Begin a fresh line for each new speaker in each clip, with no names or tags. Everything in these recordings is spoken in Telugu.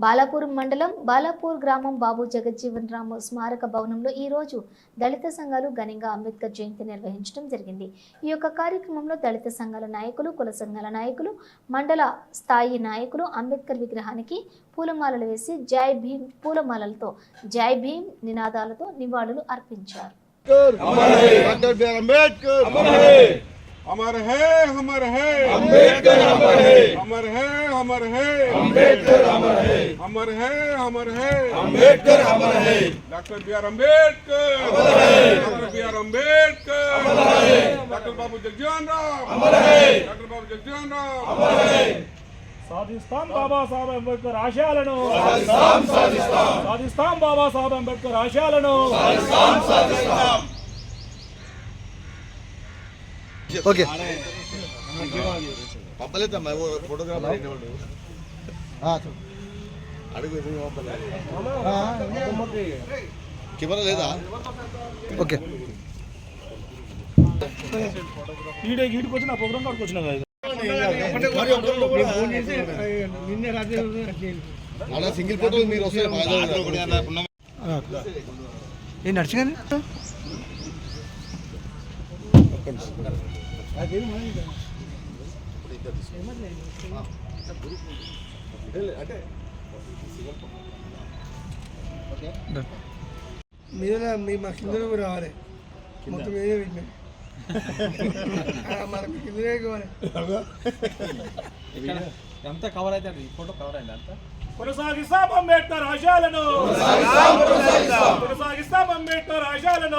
బాలాపూర్ మండలం బాలాపూర్ గ్రామం బాబు జగజ్జీవన్ రామ్ స్మారక భవనంలో ఈ రోజు దళిత సంఘాలు ఘనంగా అంబేద్కర్ జయంతి నిర్వహించడం జరిగింది। ఈ యొక్క కార్యక్రమంలో దళిత సంఘాల నాయకులు, కుల సంఘాల నాయకులు, మండల స్థాయి నాయకులు అంబేద్కర్ విగ్రహానికి పూలమాలలు వేసి జై భీమ్ పూలమాలలతో జై భీమ్ నినాదాలతో నివాళులు అర్పించారు।
अमर है अमर है अम्बेडकर, अमर है अमर है अमर है अम्बेडकर, अमर है अमर है अमर है अम्बेडकर, अमर है डॉक्टर बी.आर. अम्बेडकर, अमर है डॉक्टर बी.आर. अम्बेडकर, अमर है डॉक्टर बाबू जगजीवन राम, अमर है डॉक्टर बाबू जगजीवन राम, अमर है
సాధిస్తాం బాబాసాహెబ్ అంబేద్కర్ ఆశయాలను, సాధిస్తాం బాబాసాహెబ్ అంబేద్కర్ ఆశయాలను।
ओके పంపలేదా మై ఫోటోగ్రాఫర్ ఇనేవాడు అడుగు కెమెరా లేదా ఓకే
ఈడికి వచ్చిన ప్రోగ్రామ్ కాడికి వచ్చినా
అలా సింగిల్ ఫోటో మీరు వస్తే
ఏ నడిచిగానే
మీద మా కింద రావాలి మొత్తం మీదే పెట్టినా మన కిందనే కావాలి
అంతా కవర్ అయితే ఫోటో కవర్ అయింది అంతా
కొనసాగిస్తాం అంబేద్కర్ ఆశయాలను, కొనసాగిస్తాం అంబేద్కర్ ఆశయాలను,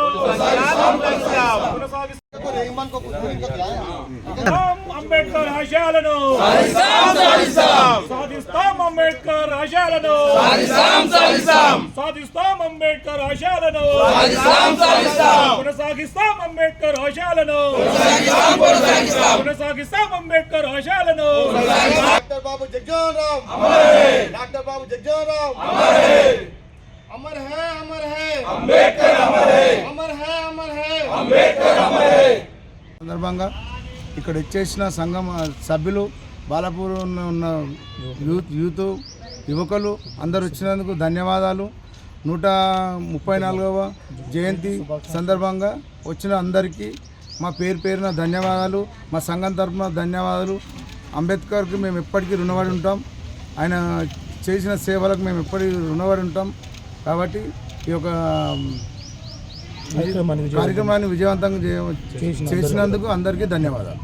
అంబేద్కర్ ఆశయాలను, సాధిస్తాం అంబేద్కర్ ఆశయాలను, సాధిస్తాం అంబేద్కర్ ఆశయాలను, కొనసాగిస్తాం అంబేద్కర్ ఆశయాలను, కొనసాగిస్తాం అంబేద్కర్ ఆశయాలను।
డాక్టర్ బాబు జగజ్జీవన్ రామ్, అమర్ హై డాక్టర్ బాబు జగజ్జీవన్ రామ్, అమర్ హై అమర్ హై అమర్ హై అంబేద్కర్, అమర్ హై అమర్ హై అమర్ హై అంబేద్కర్, అమర్ హై
సందర్భంగా ఇక్కడ వచ్చేసిన సంఘం సభ్యులు, బాలాపూర్ ఉన్న యూత్ యువకులు అందరు వచ్చినందుకు ధన్యవాదాలు। 134వ జయంతి సందర్భంగా వచ్చిన అందరికీ మా పేరున ధన్యవాదాలు, మా సంఘం తరఫున ధన్యవాదాలు। అంబేద్కర్కి మేము ఎప్పటికీ రుణపడి ఉంటాం, ఆయన చేసిన సేవలకు మేము ఎప్పటికీ రుణపడి ఉంటాం। కాబట్టి ఈ యొక్క కార్యక్రమాన్ని విజయవంతంగా చేసినందుకు అందరికీ ధన్యవాదాలు।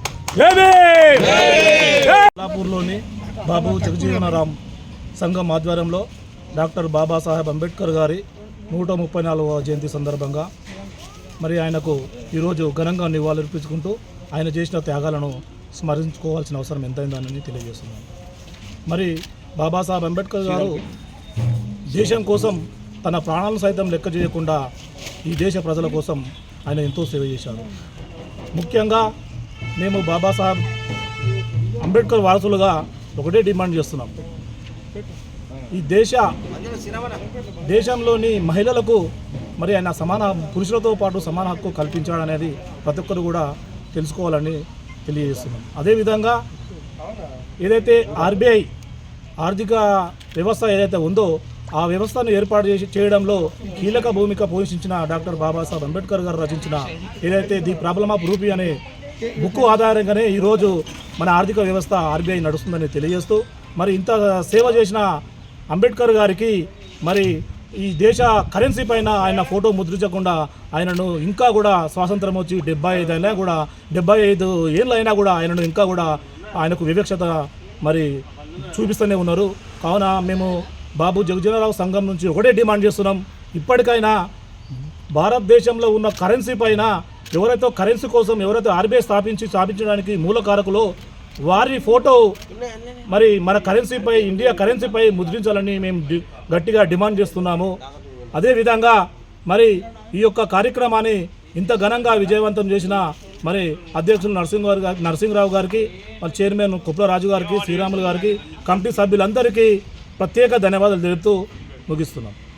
బాలాపూర్లోని బాబు జగజ్జీవన్ రామ్ సంఘం ఆధ్వర్యంలో డాక్టర్ బాబాసాహెబ్ అంబేద్కర్ గారి 134వ జయంతి సందర్భంగా మరి ఆయనకు ఈరోజు ఘనంగా నివాళులర్పించుకుంటూ ఆయన చేసిన త్యాగాలను స్మరించుకోవాల్సిన అవసరం ఎంతైందని తెలియజేస్తున్నాను। మరి బాబాసాహెబ్ అంబేద్కర్ గారు దేశం కోసం తన ప్రాణాలను సైతం లెక్క చేయకుండా ఈ దేశ ప్రజల కోసం ఆయన ఎంతో సేవ చేశారు। ముఖ్యంగా మేము బాబాసాహెబ్ అంబేద్కర్ వారసులుగా ఒకటే డిమాండ్ చేస్తున్నాం, ఈ దేశంలోని మహిళలకు మరి ఆయన సమాన పురుషులతో పాటు సమాన హక్కు కల్పించాడనేది ప్రతి ఒక్కరు కూడా తెలుసుకోవాలని తెలియజేస్తున్నాం। అదేవిధంగా ఏదైతే ఆర్బీఐ ఆర్థిక వ్యవస్థ ఏదైతే ఉందో ఆ వ్యవస్థను ఏర్పాటు చేయడంలో కీలక భూమిక పోషించిన డాక్టర్ బాబాసాహెబ్ అంబేద్కర్ గారు రచించిన ఏదైతే ది ప్రాబ్లమ్ ఆఫ్ రూపీ అనే బుక్ ఆధారంగానే ఈరోజు మన ఆర్థిక వ్యవస్థ ఆర్బీఐ నడుస్తుందని తెలియజేస్తూ మరి ఇంత సేవ చేసిన అంబేద్కర్ గారికి మరి ఈ దేశ కరెన్సీ పైన ఆయన ఫోటో ముద్రించకుండా ఆయనను ఇంకా కూడా స్వాతంత్రం వచ్చి 75 అయినా కూడా 75 ఏళ్ళు అయినా కూడా ఆయనను ఇంకా కూడా ఆయనకు వివక్షత మరి చూపిస్తూనే ఉన్నారు। కావున మేము బాబు జగజ్జీవన్ రామ్ సంఘం నుంచి ఒకటే డిమాండ్ చేస్తున్నాం, ఇప్పటికైనా భారతదేశంలో ఉన్న కరెన్సీ పైన ఎవరైతే కరెన్సీ కోసం ఎవరైతే ఆర్బీఐ స్థాపించడానికి మూలకారకులో వారి ఫోటో మరి మన కరెన్సీపై ఇండియా కరెన్సీపై ముద్రించాలని మేము గట్టిగా డిమాండ్ చేస్తున్నాము। అదేవిధంగా మరి ఈ యొక్క కార్యక్రమాన్ని ఇంత ఘనంగా విజయవంతం చేసిన మరి అధ్యక్షులు నరసింహరావు గారికి, మరి చైర్మన్ కుప్లరాజు గారికి, శ్రీరాములు గారికి, కమిటీ సభ్యులందరికీ ప్రత్యేక ధన్యవాదాలు తెలుపుతూ ముగిస్తున్నాం।